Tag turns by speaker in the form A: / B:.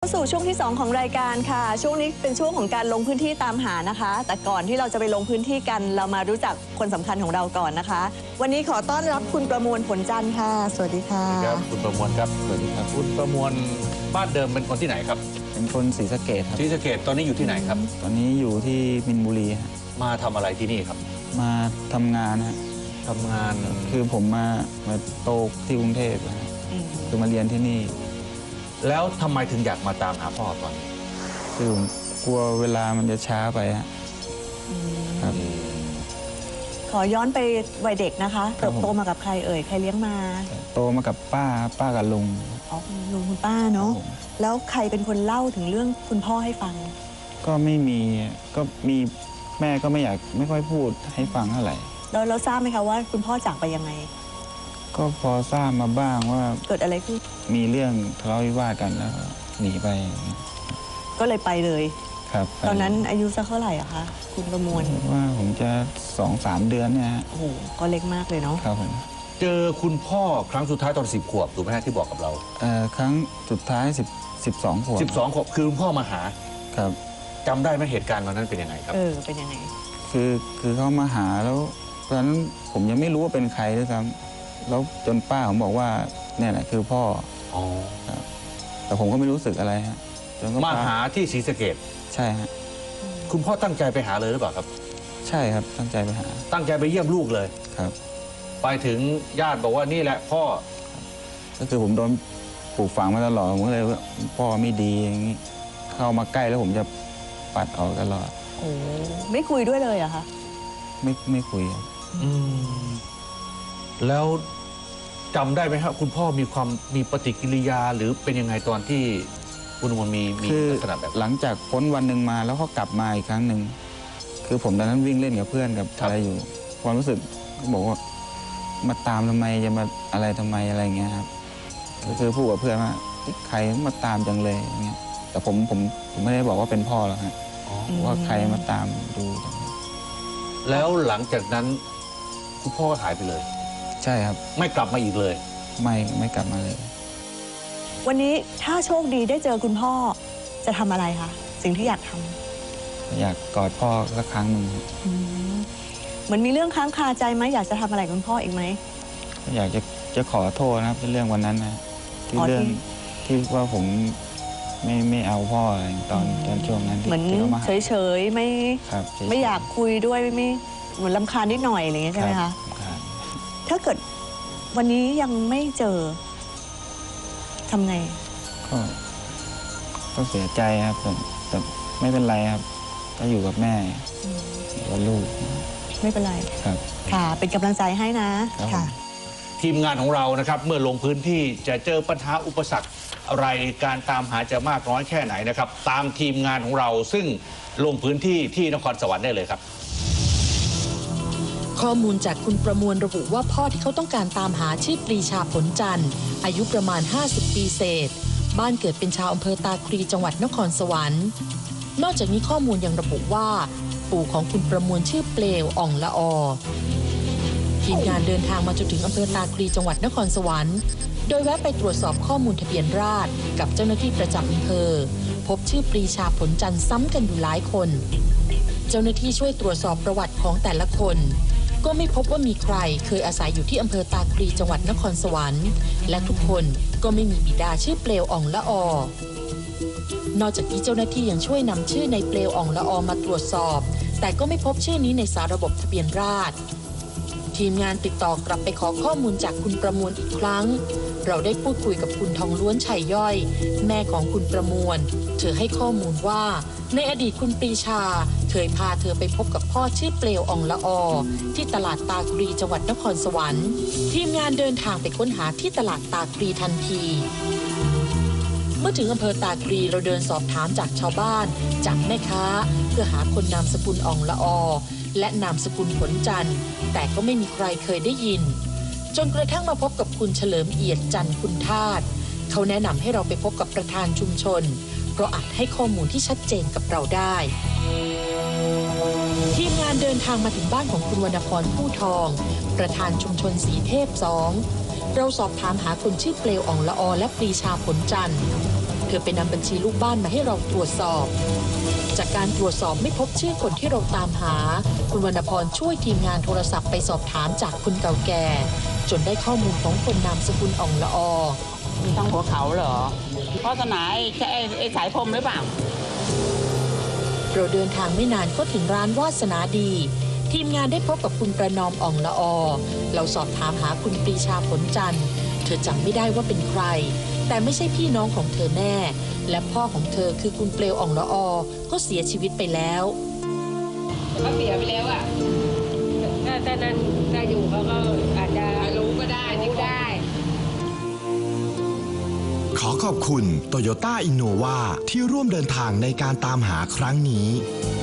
A: สู่ช่วงที่2ของรายการค่ะช่วงนี้เป็นช่วงของการลงพื้นที่ตามหานะคะแต่ก่อนที่เราจะไปลงพื้นที่กันเรามารู้จักคนสำคัญของเราก่อนนะคะวันนี้ขอต้อนรับคุณประมวลผลจันทร์ค่ะสวัสดีค่ะ
B: ครับคุณประมวลครับสวัสดีครับคุณประมวลบ้านเดิมเป็นคนที่ไหนครับ
C: เป็นคนศรีสะเกษครับ
B: ศรีสะเกษตอนนี้อยู่ที่ไหนครับ
C: ตอนนี้อยู่ที่มินบุรีครับ
B: มาทำอะไรที่นี่ครับ
C: มาทำงานฮะ
B: ทำงาน
C: คือผมมาโตที่กรุงเทพนะคือมาเรียนที่นี่
B: แล้วทำไมถึงอยากมาตามหาพ่อตอนนี้
C: คือผมกลัวเวลามันจะช้าไปฮะครับ
A: ขอย้อนไปวัยเด็กนะคะเติบโตมากับใครเอ่ยใครเลี้ยงมา
C: โตมากับป้ากับลุง
A: อ๋อลุงคุณป้าเนาะแล้วใครเป็นคนเล่าถึงเรื่องคุณพ่อให้ฟัง
C: ก็ไม่มีก็มีแม่ก็ไม่ค่อยพูดให้ฟังเท่าไหร่
A: เราทราบไหมคะว่าคุณพ่อจากไปยังไง
C: ก็พอทราบมาบ้างว่า
A: เกิดอะไรขึ้น
C: มีเรื่องทะเลาะวิวาทกันแล้วหนีไป
A: ก็เลยไปเลย
C: ครับ
A: ตอนนั้นอายุสักเท่าไหร่อะคะคุณประมวล
C: ว่าผมจะ2-3 เดือนเนี่ย
A: โอ้โหก็เล็กมากเลยเนาะ
C: ครับผม
B: เจอคุณพ่อครั้งสุดท้ายตอน10 ขวบถูกไหมที่บอกกับเรา
C: ครั้งสุดท้าย12 ขวบ
B: 12 ขวบคือคุณพ่อมาหา
C: ครับ
B: จำได้ไหมเหตุการณ์ตอนนั้นเป็นยังไงครับ
A: เป็นยังไง
C: คือเขามาหาแล้วตอนนั้นผมยังไม่รู้ว่าเป็นใครด้วยซ้ำแล้วจนป้าผมบอกว่าเนี่ยแหละคือพ่อครับแต่ผมก็ไม่รู้สึกอะไรฮะ
B: จนมาหาที่ศรีสะเกษ
C: ใช่ฮะ
B: คุณพ่อตั้งใจไปหาเลยหรือเปล่าครับ
C: ใช่ครับตั้งใจไปหา
B: ตั้งใจไปเยี่ยมลูกเลย
C: ครับ
B: ไปถึงญาติบอกว่านี่แหละพ่อ
C: ก็คือผมโดนปลูกฝังมาตลอดผมก็เลยว่าพ่อไม่ดีอย่างนี้เข้ามาใกล้แล้วผมจะปัดออกตลอด
A: โอ้ไม่คุยด้วยเลยอะคะ
C: ไม่คุยครับ
B: แล้วจำได้ไหมครับคุณพ่อมีปฏิกิริยาหรือเป็นยังไงตอนที่คุณมันมีลักษณะแบบ
C: หลังจากพ้นวันหนึ่งมาแล้วเขากลับมาอีกครั้งหนึ่งคือผมตอนนั้นวิ่งเล่นกับเพื่อนกับอะไรอยู่ความรู้สึกเขาบอกว่ามาตามทำไมจะมาอะไรทำไมอะไรเงี้ยครับก็คือพูดกับเพื่อนว่าใครมาตามจังเลยอย่างเงี้ยแต่ผมไม่ได้บอกว่าเป็นพ่อหรอกฮะว่าใครมาตามดู
B: แล้วหลังจากนั้นคุณพ่อหายไปเลย
C: ใช่ครับ
B: ไม่กลับมาอีกเลย
C: ไม่กลับมาเลย
A: วันนี้ถ้าโชคดีได้เจอคุณพ่อจะทำอะไรคะสิ่งที่อยากทำ
C: อยากกอดพ่อสักครั้งหนึ่ง
A: เหมือนมีเรื่องค้างคาใจไหมอยากจะทำอะไรกับคุณพ่ออีกไหม
C: อยากจะขอโทษนะครับเรื่องวันนั้นนะที่เรื่องที่ว่าผมไม่เอาพ่ออะไรตอนช่วงนั้น
A: เหมือนเฉยๆไม่อยากคุยด้วยไม่เหมือนรำคาญนิดหน่อยอะไรอย่างเงี้ยใช่ไหมคะถ้าเกิดวันนี้ยังไม่เจอทำไง
C: ก็เสียใจครับแต่ไม่เป็นไรครับก็อยู่กับแม่กับลูก
A: ไม่เป็นไร
C: ครับ
A: ค่ะเป็นกำลังใจให้นะค่ะ
B: ทีมงานของเรานะครับเมื่อลงพื้นที่จะเจอปัญหาอุปสรรคอะไรการตามหาจะมากน้อยแค่ไหนนะครับตามทีมงานของเราซึ่งลงพื้นที่ที่นครสวรรค์ได้เลยครับ
D: ข้อมูลจากคุณประมวลระบุว่าพ่อที่เขาต้องการตามหาชื่อปรีชาผลจันทร์อายุประมาณ50 ปีเศษบ้านเกิดเป็นชาวอำเภอตาคลีจังหวัดนครสวรรค์นอกจากนี้ข้อมูลยังระบุว่าปู่ของคุณประมวลชื่อเปลวอ่องละอทีมงานเดินทางมาจนถึงอำเภอตาคลีจังหวัดนครสวรรค์โดยแวะไปตรวจสอบข้อมูลทะเบียนราษฎร์กับเจ้าหน้าที่ประจำอำเภอพบชื่อปรีชาผลจันทร์ซ้ำกันอยู่หลายคนเจ้าหน้าที่ช่วยตรวจสอบประวัติของแต่ละคนก็ไม่พบว่ามีใครเคยอาศัยอยู่ที่อำเภอตาคลีจังหวัดนครสวรรค์และทุกคนก็ไม่มีบิดาชื่อเปลวอ่องละอนอกจากนี้เจ้าหน้าที่ยังช่วยนำชื่อในเปลวอ่องละอมาตรวจสอบแต่ก็ไม่พบชื่อนี้ในสารระบบทะเบียนราษฎร์ทีมงานติดต่อกลับไปขอข้อมูลจากคุณประมวลอีกครั้งเราได้พูดคุยกับคุณทองล้วนชัยย่อยแม่ของคุณประมวลเธอให้ข้อมูลว่าในอดีตคุณปรีชาเคยพาเธอไปพบกับพ่อชื่อเปลวอ่องละอที่ตลาดตาคลีจังหวัดนครสวรรค์ทีมงานเดินทางไปค้นหาที่ตลาดตาคลีทันทีเมื่อถึงอำเภอตาคลีเราเดินสอบถามจากชาวบ้านจากแม่ค้าเพื่อหาคนนามสกุลอ่องละอและนามสกุลผลจันทร์แต่ก็ไม่มีใครเคยได้ยินจนกระทั่งมาพบกับคุณเฉลิมเอียดจันทร์คุณทาสเขาแนะนำให้เราไปพบกับประธานชุมชนเพราะอาจให้ข้อมูลที่ชัดเจนกับเราได้ทีมงานเดินทางมาถึงบ้านของคุณวรรณพรผู้ทองประธานชุมชนสีเทพ2เราสอบถามหาคนชื่อเปลวอ่องละอและปรีชาผลจันทร์เธอไปนำบัญชีลูกบ้านมาให้เราตรวจสอบ จากการตรวจสอบไม่พบชื่อคนที่เราตามหา คุณวรรณพรช่วยทีมงานโทรศัพท์ไปสอบถามจากคนเก่าแก่ จนได้ข้อมูลของคนนามสกุลอ่องละออ
E: มีทางหัวเขาเหรอเพราะสนาไอ้สายพรมหรือเปล่า
D: เราเดินทางไม่นานก็ถึงร้านวาสนาดี ทีมงานได้พบกับคุณประนอมอ่องละออ เราสอบถามหาคุณปรีชาผลจันทร์เธอจำไม่ได้ว่าเป็นใคร แต่ไม่ใช่พี่น้องของเธอแน่ และพ่อของเธอคือคุณเปลวอ่องละออก็เสียชีวิตไปแล้ว
E: เขาเสียไปแล้วอ่ะ
F: ถ้านั้นถ้าอยู่เขาก็อาจจะ
E: รู้ก็ได้รู้ได้
G: ขอขอบคุณ Toyota Innova ที่ร่วมเดินทางในการตามหาครั้งนี้